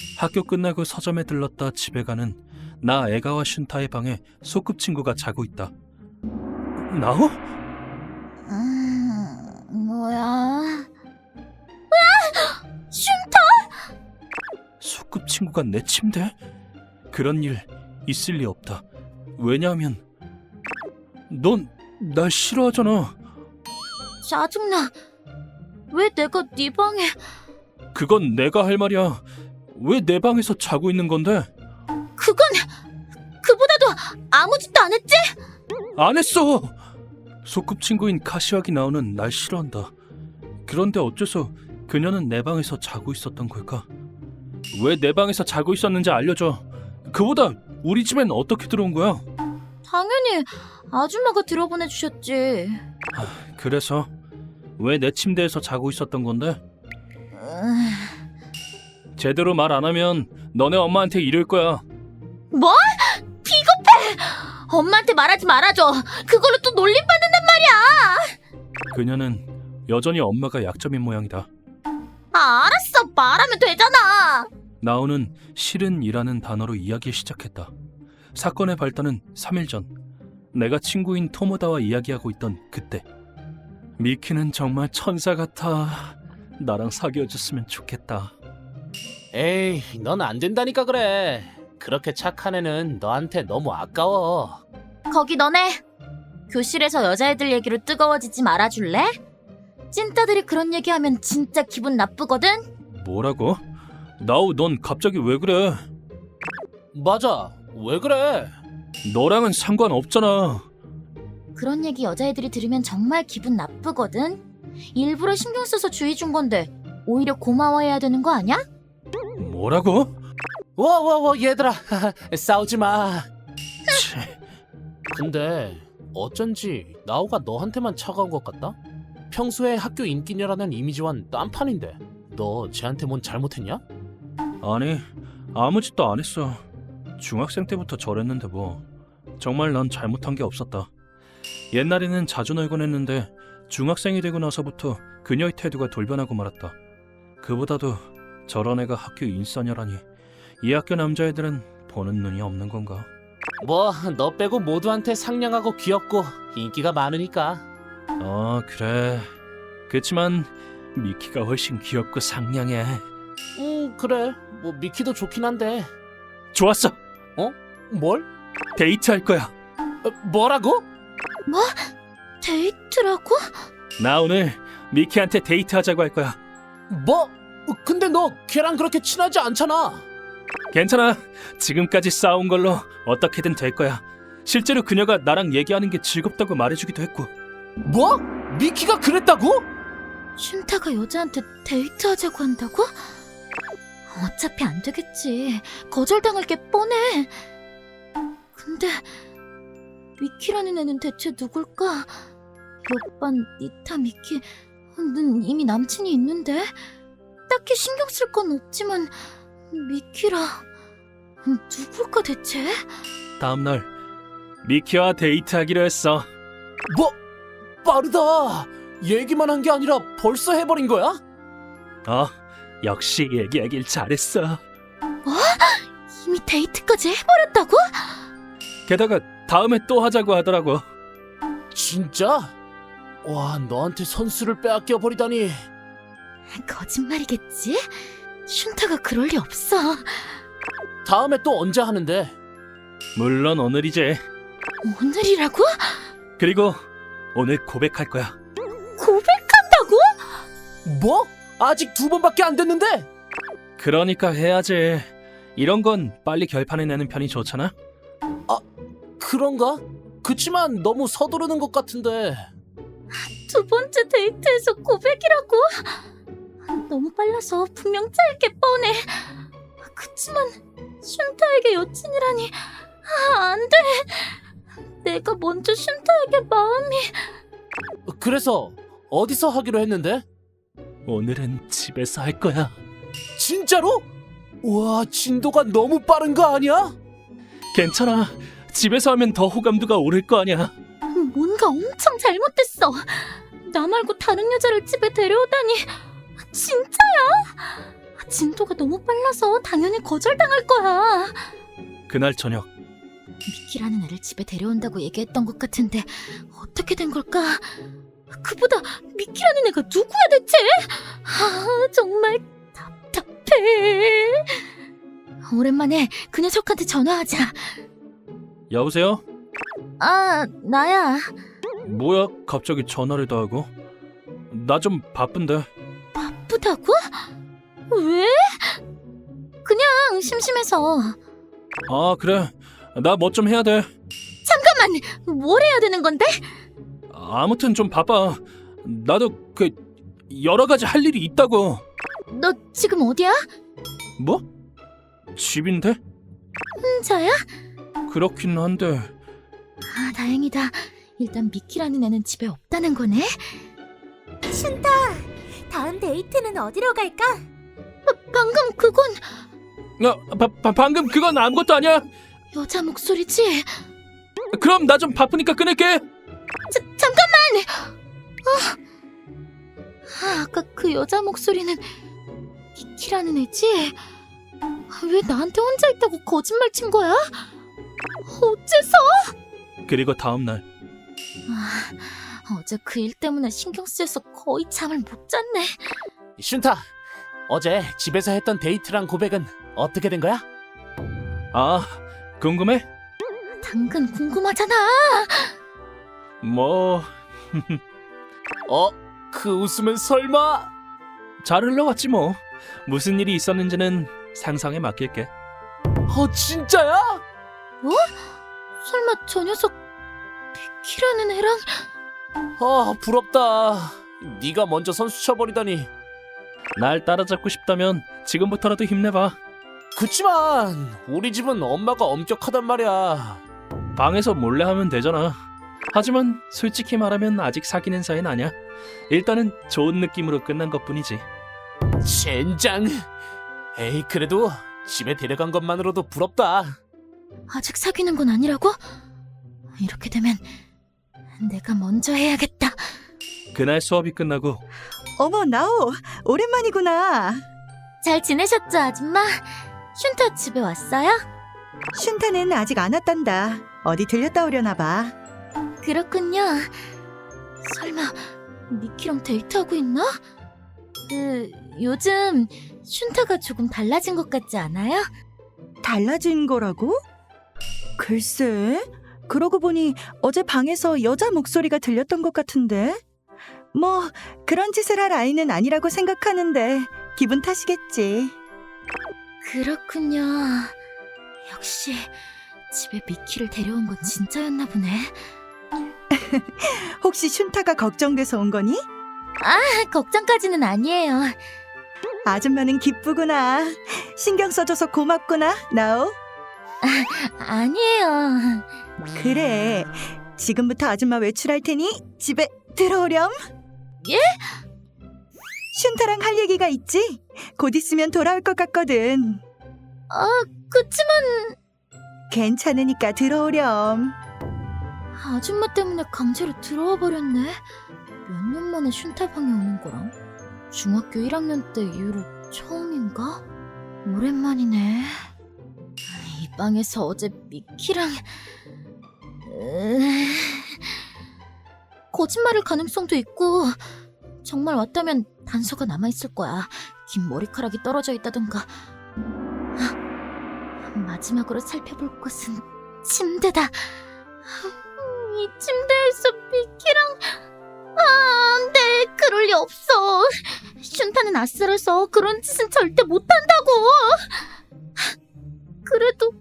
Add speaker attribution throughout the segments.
Speaker 1: 학교 끝나고 서점에 들렀다 집에 가는 나 에가와 슌타의 방에 소꿉친구가 자고 있다. 나오?
Speaker 2: 뭐야?
Speaker 1: 소꿉친구가 내 침대에? 그런 일 있을 리 없다. 왜냐하면 넌 날 싫어하잖아.
Speaker 2: 짜증나. 왜 내가 네 방에...
Speaker 1: 그건 내가 할 말이야. 왜 내 방에서 자고 있는 건데?
Speaker 2: 그건... 그보다도 아무 짓도 안 했지?
Speaker 1: 안 했어! 소꿉친구인 카시와기 나오는 날 싫어한다. 그런데 어째서 그녀는 내 방에서 자고 있었던 걸까? 왜 내 방에서 자고 있었는지 알려줘. 그보다 우리 집엔 어떻게 들어온 거야?
Speaker 2: 당연히 아줌마가 들어보내주셨지.
Speaker 1: 그래서 왜 내 침대에서 자고 있었던 건데? 제대로 말 안 하면 너네 엄마한테 이럴 거야.
Speaker 2: 뭐? 비겁해! 엄마한테 말하지 말아줘. 그걸로 또 놀림받는단 말이야.
Speaker 1: 그녀는 여전히 엄마가 약점인 모양이다.
Speaker 2: 알았어. 말하면 되잖아.
Speaker 1: 나오는 실은이라는 단어로 이야기 시작했다. 사건의 발단은 3일 전. 내가 친구인 토모다와 이야기하고 있던 그때. 미키는 정말 천사 같아. 나랑 사귀어줬으면 좋겠다.
Speaker 3: 에이, 넌 안 된다니까 그래. 그렇게 착한 애는 너한테 너무 아까워.
Speaker 2: 거기 너네. 교실에서 여자애들 얘기로 뜨거워지지 말아줄래? 찐따들이 그런 얘기하면 진짜 기분 나쁘거든?
Speaker 1: 뭐라고? 나우, 넌 갑자기 왜 그래?
Speaker 3: 맞아. 왜 그래?
Speaker 1: 너랑은 상관없잖아.
Speaker 2: 그런 얘기 여자애들이 들으면 정말 기분 나쁘거든? 일부러 신경 써서 주의 준 건데 오히려 고마워해야 되는 거 아니야?
Speaker 1: 뭐라고?
Speaker 3: 와, 얘들아. 싸우지 마.
Speaker 1: 치,
Speaker 3: 근데 어쩐지 나우가 너한테만 차가운 것 같다? 평소에 학교 인기녀라는 이미지와는 딴판인데 너 쟤한테 뭔 잘못했냐?
Speaker 1: 아니, 아무 짓도 안 했어. 중학생 때부터 저랬는데 뭐. 정말 난 잘못한 게 없었다. 옛날에는 자주 놀곤 했는데 중학생이 되고 나서부터 그녀의 태도가 돌변하고 말았다. 그보다도 저런 애가 학교 인싸녀라니. 이 학교 남자애들은 보는 눈이 없는 건가?
Speaker 3: 뭐 너 빼고 모두한테 상냥하고 귀엽고 인기가 많으니까.
Speaker 1: 그래. 그치만 미키가 훨씬 귀엽고 상냥해.
Speaker 3: 그래. 뭐 미키도 좋긴 한데.
Speaker 1: 좋았어.
Speaker 3: 뭘?
Speaker 1: 데이트할 거야.
Speaker 3: 뭐라고?
Speaker 2: 데이트라고?
Speaker 1: 나 오늘 미키한테 데이트하자고 할 거야.
Speaker 3: 뭐? 근데 너 걔랑 그렇게 친하지 않잖아.
Speaker 1: 괜찮아. 지금까지 싸운 걸로 어떻게든 될 거야. 실제로 그녀가 나랑 얘기하는 게 즐겁다고 말해주기도 했고.
Speaker 3: 뭐? 미키가 그랬다고?
Speaker 2: 슌타가 여자한테 데이트하자고 한다고? 어차피 안 되겠지. 거절당할 게 뻔해. 근데 미키라는 애는 대체 누굴까? 옆반 니타 미키는 이미 남친이 있는데 딱히 신경 쓸 건 없지만 미키라 누굴까 대체?
Speaker 1: 다음날 미키와 데이트하기로 했어.
Speaker 3: 뭐? 빠르다. 얘기만 한 게 아니라 벌써 해버린 거야?
Speaker 1: 역시 얘기하길 잘했어.
Speaker 2: 이미 데이트까지 해버렸다고?
Speaker 1: 게다가 다음에 또 하자고 하더라고.
Speaker 3: 진짜? 와, 너한테 선수를 빼앗겨 버리다니.
Speaker 2: 거짓말이겠지? 슌타가 그럴 리 없어.
Speaker 3: 다음에 또 언제 하는데?
Speaker 1: 물론 오늘이지.
Speaker 2: 오늘이라고?
Speaker 1: 그리고 오늘 고백할 거야.
Speaker 2: 고백한다고?
Speaker 3: 뭐? 아직 2번밖에 안 됐는데?
Speaker 1: 그러니까 해야지. 이런 건 빨리 결판을 내는 편이 좋잖아.
Speaker 3: 그런가? 그치만 너무 서두르는 것 같은데.
Speaker 2: 두 번째 데이트에서 고백이라고? 너무 빨라서 분명 짜일 게 뻔해. 그치만 슌타에게 여친이라니. 안 돼. 내가 먼저 슌타에게 마음이...
Speaker 3: 그래서 어디서 하기로 했는데?
Speaker 1: 오늘은 집에서 할 거야.
Speaker 3: 진짜로? 와, 진도가 너무 빠른 거 아니야?
Speaker 1: 괜찮아. 집에서 하면 더 호감도가 오를 거 아니야.
Speaker 2: 뭔가 엄청 잘못됐어. 나 말고 다른 여자를 집에 데려오다니. 진짜야? 진도가 너무 빨라서 당연히 거절당할 거야.
Speaker 1: 그날 저녁
Speaker 2: 미키라는 애를 집에 데려온다고 얘기했던 것 같은데 어떻게 된 걸까? 그보다 미키라는 애가 누구야 대체? 정말 답답해. 오랜만에 그 녀석한테 전화하자.
Speaker 1: 여보세요?
Speaker 2: 나야.
Speaker 1: 뭐야 갑자기 전화를 다 하고? 나 좀 바쁜데.
Speaker 2: 바쁘다고? 왜? 그냥 심심해서.
Speaker 1: 아 그래 나 뭐 좀 해야 돼.
Speaker 2: 잠깐만, 뭘 해야 되는 건데?
Speaker 1: 아무튼 좀 바빠. 나도 그 여러 가지 할 일이 있다고.
Speaker 2: 너 지금 어디야?
Speaker 1: 뭐? 집인데?
Speaker 2: 혼자야?
Speaker 1: 그렇긴 한데.
Speaker 2: 다행이다. 일단 미키라는 애는 집에 없다는 거네.
Speaker 4: 슌타, 다음 데이트는 어디로 갈까?
Speaker 2: 방금 그건
Speaker 1: 방금 그건 아무것도 아니야.
Speaker 2: 여자 목소리지?
Speaker 1: 그럼 나 좀 바쁘니까 끊을게.
Speaker 2: 잠깐만! 아까 그 여자 목소리는 미키라는 애지? 왜 나한테 혼자 있다고 거짓말 친 거야? 어째서?
Speaker 1: 그리고 다음날
Speaker 2: 어제 그 일 때문에 신경 쓰여서 거의 잠을 못 잤네.
Speaker 3: 슌타, 어제 집에서 했던 데이트랑 고백은 어떻게 된 거야?
Speaker 1: 아 궁금해?
Speaker 2: 당근 궁금하잖아.
Speaker 1: 뭐
Speaker 3: 그 웃음은 설마?
Speaker 1: 잘 흘러갔지 뭐. 무슨 일이 있었는지는 상상에 맡길게.
Speaker 3: 진짜야?
Speaker 2: 설마 저 녀석 미키라는 애랑?
Speaker 3: 부럽다. 네가 먼저 선수 쳐버리다니.
Speaker 1: 날 따라잡고 싶다면 지금부터라도 힘내봐.
Speaker 3: 그치만 우리 집은 엄마가 엄격하단 말이야.
Speaker 1: 방에서 몰래 하면 되잖아. 하지만 솔직히 말하면 아직 사귀는 사이는 아니야. 일단은 좋은 느낌으로 끝난 것뿐이지.
Speaker 3: 젠장. 에이, 그래도 집에 데려간 것만으로도 부럽다.
Speaker 2: 아직 사귀는 건 아니라고? 이렇게 되면 내가 먼저 해야겠다.
Speaker 1: 그날 수업이 끝나고
Speaker 5: 어머, 나오, 오랜만이구나.
Speaker 2: 잘 지내셨죠, 아줌마? 슌타 집에 왔어요?
Speaker 5: 슌타는 아직 안 왔단다. 어디 들렸다 오려나 봐.
Speaker 2: 그렇군요. 설마 미키랑 데이트하고 있나? 요즘 슌타가 조금 달라진 것 같지 않아요?
Speaker 5: 달라진 거라고? 글쎄, 그러고 보니 어제 방에서 여자 목소리가 들렸던 것 같은데. 뭐 그런 짓을 할 아이는 아니라고 생각하는데 기분 탓이겠지.
Speaker 2: 그렇군요. 역시 집에 미키를 데려온 건 진짜였나 보네.
Speaker 5: 혹시 슌타가 걱정돼서 온 거니?
Speaker 2: 걱정까지는 아니에요.
Speaker 5: 아줌마는 기쁘구나. 신경 써줘서 고맙구나, 나오.
Speaker 2: 아니에요.
Speaker 5: 그래, 지금부터 아줌마 외출할 테니 집에 들어오렴.
Speaker 2: 예?
Speaker 5: 슌타랑 할 얘기가 있지? 곧 있으면 돌아올 것 같거든.
Speaker 2: 그치만
Speaker 5: 괜찮으니까 들어오렴.
Speaker 2: 아줌마 때문에 강제로 들어와 버렸네. 몇 년 만에 슌타 방에 오는 거랑 중학교 1학년 때 이후로 처음인가? 오랜만이네. 이 방에서 어제 미키랑 거짓말일 가능성도 있고, 정말 왔다면 단서가 남아있을 거야. 긴 머리카락이 떨어져 있다던가. 마지막으로 살펴볼 곳은 침대다. 이 침대에서 미키랑... 네, 그럴 리 없어. 슌타는 아슬해서 그런 짓은 절대 못한다고. 그래도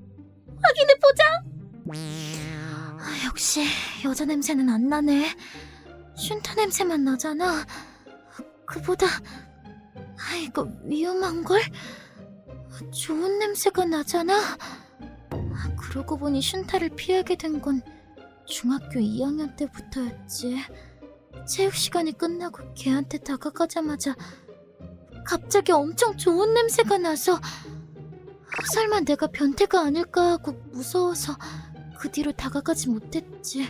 Speaker 2: 확인해보자. 역시 여자 냄새는 안 나네. 슌타 냄새만 나잖아. 그보다 이거 위험한걸? 좋은 냄새가 나잖아. 그러고 보니 슌타를 피하게 된 건 중학교 2학년 때부터였지. 체육 시간이 끝나고 걔한테 다가가자마자 갑자기 엄청 좋은 냄새가 나서 설마 내가 변태가 아닐까 하고 무서워서 그 뒤로 다가가지 못했지.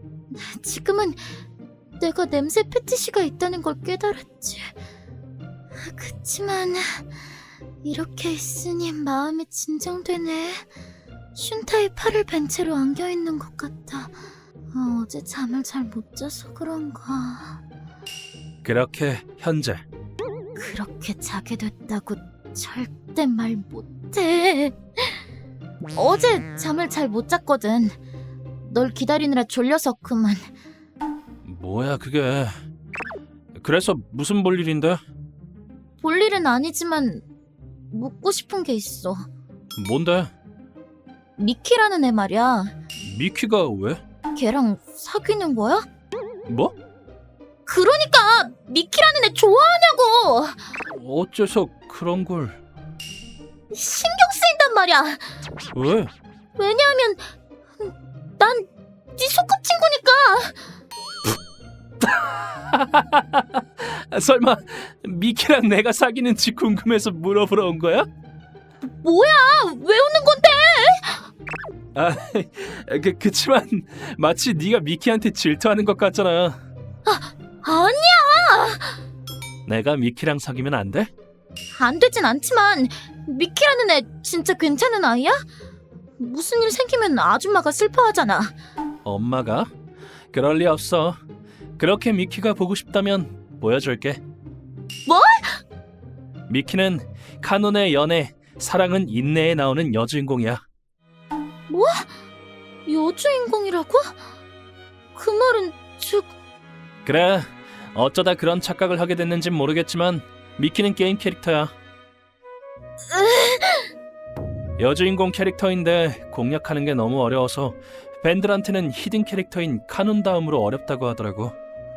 Speaker 2: 지금은 내가 냄새 패티시가 있다는 걸 깨달았지. 그치만 이렇게 있으니 마음이 진정되네. 슌타의 팔을 벤 채로 안겨있는 것 같아. 어제 잠을 잘 못 자서 그런가.
Speaker 1: 그렇게 현재
Speaker 2: 그렇게 자게 됐다고 절대 말 못해. 어제 잠을 잘 못 잤거든. 널 기다리느라 졸려서 그만.
Speaker 1: 뭐야 그게? 그래서 무슨 볼일인데?
Speaker 2: 볼 일은 아니지만 묻고 싶은 게 있어.
Speaker 1: 뭔데?
Speaker 2: 미키라는 애 말이야.
Speaker 1: 미키가 왜?
Speaker 2: 걔랑 사귀는 거야?
Speaker 1: 뭐?
Speaker 2: 그러니까 미키라는 애 좋아하냐고.
Speaker 1: 어째서 그런 걸?
Speaker 2: 신경 쓰인단 말이야.
Speaker 1: 왜?
Speaker 2: 왜냐하면 난 네 소꿉친구니까.
Speaker 1: 설마 미키랑 내가 사귀는지 궁금해서 물어보러 온 거야?
Speaker 2: 뭐야? 왜 웃는 건데?
Speaker 1: 아, 그치만 마치 네가 미키한테 질투하는 것 같잖아.
Speaker 2: 아니야.
Speaker 1: 내가 미키랑 사귀면 안 돼?
Speaker 2: 안 되진 않지만 미키라는 애 진짜 괜찮은 아이야? 무슨 일 생기면 아줌마가 슬퍼하잖아.
Speaker 1: 엄마가? 그럴 리 없어. 그렇게 미키가 보고 싶다면 보여줄게.
Speaker 2: 뭘?
Speaker 1: 미키는 카논의 연애, 사랑은 인내에 나오는 여주인공이야.
Speaker 2: 뭐? 여주인공이라고? 그 말은 즉...
Speaker 1: 그래, 어쩌다 그런 착각을 하게 됐는진 모르겠지만 미키는 게임 캐릭터야. 여주인공 캐릭터인데 공략하는 게 너무 어려워서 밴들한테는 히든 캐릭터인 카논 다음으로 어렵다고 하더라고.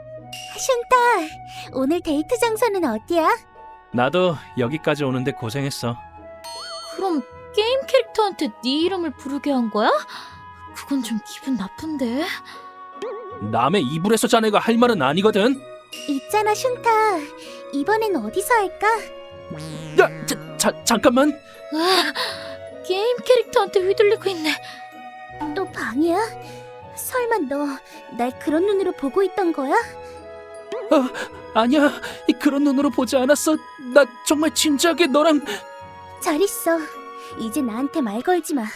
Speaker 4: 슌타, 오늘 데이트 장소는 어디야?
Speaker 1: 나도 여기까지 오는데 고생했어.
Speaker 2: 그럼 게임 캐릭터한테 네 이름을 부르게 한 거야? 그건 좀 기분 나쁜데.
Speaker 1: 남의 이불에서 자네가 할 말은 아니거든.
Speaker 4: 있잖아, 슌타. 이번엔 어디서 할까?
Speaker 1: 야, 잠깐만.
Speaker 2: 게임 캐릭터한테 휘둘리고 있네.
Speaker 4: 또 방이야? 설마 너 날 그런 눈으로 보고 있던 거야?
Speaker 1: 아니야, 그런 눈으로 보지 않았어. 나 정말 진지하게 너랑...
Speaker 4: 잘 있어. 이제 나한테 말 걸지 마.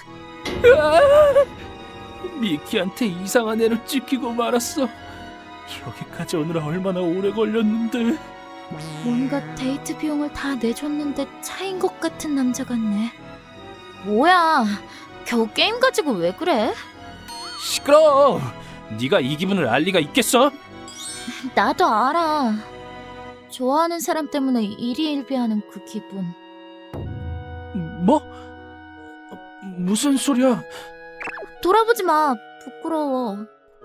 Speaker 1: 미키한테 이상한 애를 찍히고 말았어. 여기까지 오느라 얼마나 오래 걸렸는데.
Speaker 2: 뭔가 데이트 비용을 다 내줬는데 차인 것 같은 남자 같네. 뭐야, 겨우 게임 가지고 왜 그래?
Speaker 1: 시끄러워. 네가 이 기분을 알 리가 있겠어?
Speaker 2: 나도 알아. 좋아하는 사람 때문에 일희일비하는 그 기분.
Speaker 1: 뭐? 무슨 소리야?
Speaker 2: 돌아보지 마. 부끄러워.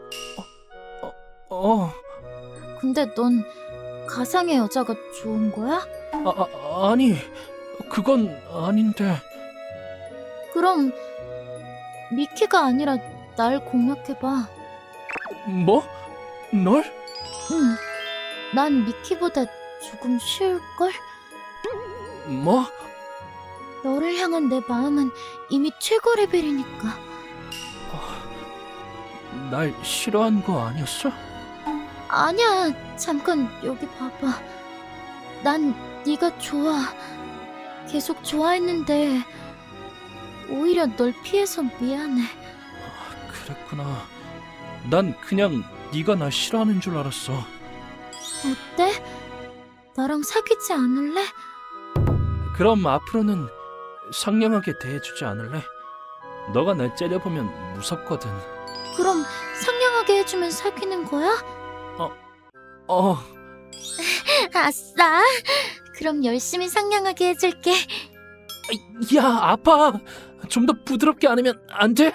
Speaker 2: 근데 넌 가상의 여자가 좋은 거야?
Speaker 1: 아니, 그건 아닌데.
Speaker 2: 그럼 미키가 아니라 날 공략해봐.
Speaker 1: 뭐? 널?
Speaker 2: 응. 난 미키보다 조금 쉬울걸?
Speaker 1: 뭐?
Speaker 2: 너를 향한 내 마음은 이미 최고 레벨이니까.
Speaker 1: 날 싫어한 거 아니었어?
Speaker 2: 아니야. 잠깐 여기 봐봐. 난 네가 좋아. 계속 좋아했는데 오히려 널 피해서 미안해.
Speaker 1: 그랬구나. 난 그냥 네가 날 싫어하는 줄 알았어.
Speaker 2: 어때? 나랑 사귀지 않을래?
Speaker 1: 그럼 앞으로는 상냥하게 대해주지 않을래? 너가 날 째려보면 무섭거든.
Speaker 2: 그럼 상냥하게 해주면 사귀는 거야? 아싸. 그럼 열심히 상냥하게 해줄게.
Speaker 1: 야, 아파. 좀 더 부드럽게 안으면 안 돼?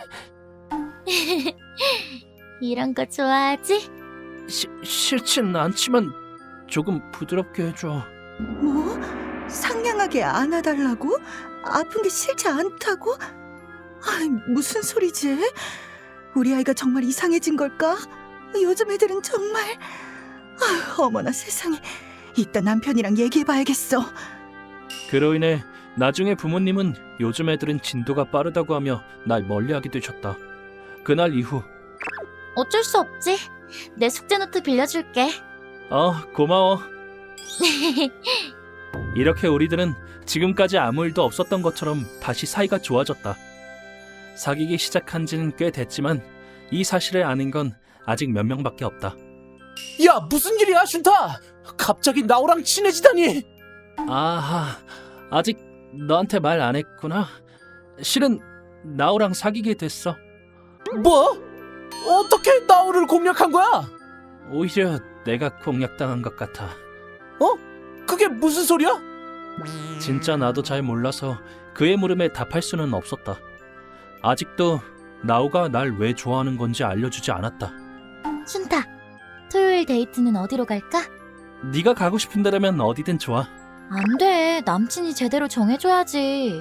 Speaker 2: 이런 거 좋아하지?
Speaker 1: 싫진 않지만 조금 부드럽게 해줘.
Speaker 5: 뭐? 상냥하게 안아달라고? 아픈 게 싫지 않다고? 무슨 소리지? 우리 아이가 정말 이상해진 걸까? 요즘 애들은 정말... 어머나 세상에. 이따 남편이랑 얘기해봐야겠어.
Speaker 1: 그로 인해 나중에 부모님은 요즘 애들은 진도가 빠르다고 하며 날 멀리하게 되셨다. 그날 이후
Speaker 2: 어쩔 수 없지. 내 숙제 노트 빌려줄게.
Speaker 1: 고마워. 이렇게 우리들은 지금까지 아무 일도 없었던 것처럼 다시 사이가 좋아졌다. 사귀기 시작한 지는 꽤 됐지만 이 사실을 아는 건 아직 몇 명밖에 없다.
Speaker 3: 야, 무슨 일이야, 슌타? 갑자기 나오랑 친해지다니.
Speaker 1: 아하, 아직 너한테 말 안 했구나. 실은 나오랑 사귀게 됐어.
Speaker 3: 뭐? 어떻게 나오를 공략한 거야?
Speaker 1: 오히려 내가 공략당한 것 같아.
Speaker 3: 그게 무슨 소리야?
Speaker 1: 진짜 나도 잘 몰라서 그의 물음에 답할 수는 없었다. 아직도 나오가 날 왜 좋아하는 건지 알려주지 않았다.
Speaker 2: 슌타, 토요일 데이트는 어디로 갈까?
Speaker 1: 네가 가고 싶은 데라면 어디든 좋아.
Speaker 2: 안 돼. 남친이 제대로 정해줘야지.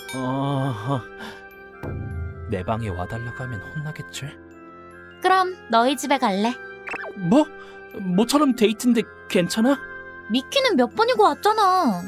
Speaker 1: 내 방에 와달라고 하면 혼나겠지?
Speaker 2: 그럼 너희 집에 갈래.
Speaker 1: 뭐? 모처럼 데이트인데 괜찮아?
Speaker 2: 미키는 몇 번이고 왔잖아.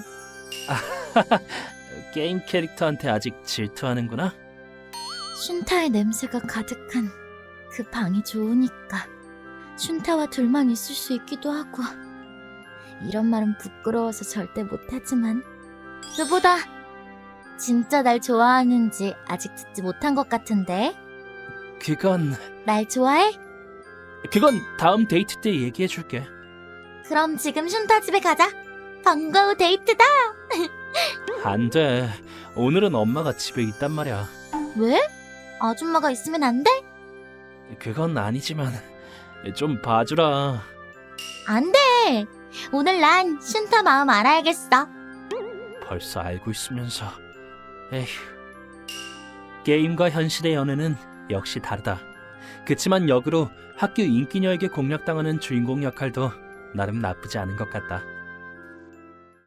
Speaker 1: 게임 캐릭터한테 아직 질투하는구나?
Speaker 2: 슌타의 냄새가 가득한 그 방이 좋으니까 슌타와 둘만 있을 수 있기도 하고. 이런 말은 부끄러워서 절대 못하지만 그보다 진짜 날 좋아하는지 아직 듣지 못한 것 같은데.
Speaker 1: 그건
Speaker 2: 날 좋아해?
Speaker 1: 다음 데이트 때 얘기해줄게.
Speaker 2: 그럼 지금 슌타 집에 가자. 반가워, 데이트다.
Speaker 1: 안 돼. 오늘은 엄마가 집에 있단 말이야.
Speaker 2: 왜? 아줌마가 있으면 안 돼?
Speaker 1: 그건 아니지만 좀 봐주라.
Speaker 2: 안 돼. 오늘 난 슌타 마음 알아야겠어.
Speaker 1: 벌써 알고 있으면서. 에휴. 게임과 현실의 연애는 역시 다르다. 그치만 역으로 학교 인기녀에게 공략당하는 주인공 역할도 나름 나쁘지 않은 것 같다.